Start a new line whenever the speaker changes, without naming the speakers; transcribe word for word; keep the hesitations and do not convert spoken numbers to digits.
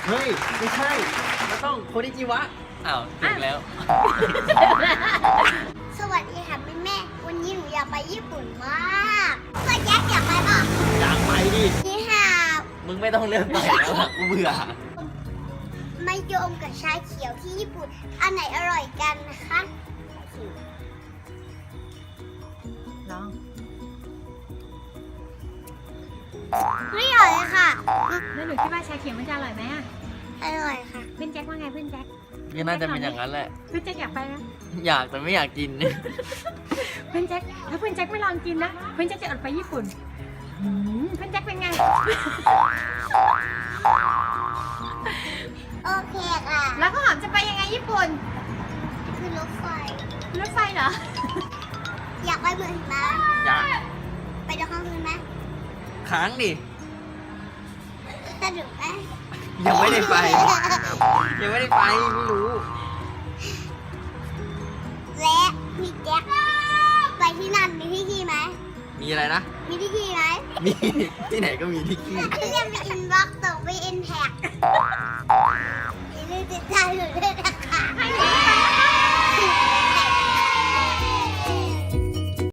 เฮ้ยไม่ใช่มันต้องโคนิจิวะอ้าวถูกแล้ว
สวัสดีค่ะแม่แม่วันนี้หนูอยากไปญี่ปุ่นมากเพื่อนแจ๊คอยากไปป่ะ
อยากไปดิ
นี่ค่ะ
มึงไม่ต้องเลือกไปแล้วอะกูเบื่อ
มะยมกับชาเขียวที่ญี่ปุ่นอันไหนอร่อยกันนะคะ
ลอง
ไม่อร่อยเลยค่ะ
แล้วหนูคิดว่าชาเขียวมันจะอร่อยไหมอ่ะ
อร่อยค่ะ
เพื่อนแจ็คว่าไงเพื่อนแจ็ค
ก็น่าจะเป็นอย่างนั้นแหละ
เพื่อนแจ็คอยากไปนะ
อยากแต่ไม่อยากกิน
เพื่อนแจ็คถ้าเพื่อนแจ็คไม่ลองกินนะเพื่อนแจ็คจะอดไปญี่ปุ่นหืมเพื่อนแจ็คเป็นไง
โอเคค่ะ
แล้วข้าวหอมจะไปยังไงญี่ปุ่น
คือรถไฟ
รถไฟเหรอ
อยากไปเมืองหิมะ
อยาก
ไปเดี๋ยวข้างคืนไหม
ค้างดิ
สนุกไหม
ยังไม่ได้ไป ยังไม่ได้ไปไม่รู้
และพี่แจ็คไปที่นั่นมีที่ที่ไหม
มีอะไรนะ
มีที่ที่ไหม
มี ที่ไหนก็มีที่ขี้
เรียกไปอินบ็อกซ์ส่งไปอินแท็กอย่าลืมติดตามหนูด้วยนะ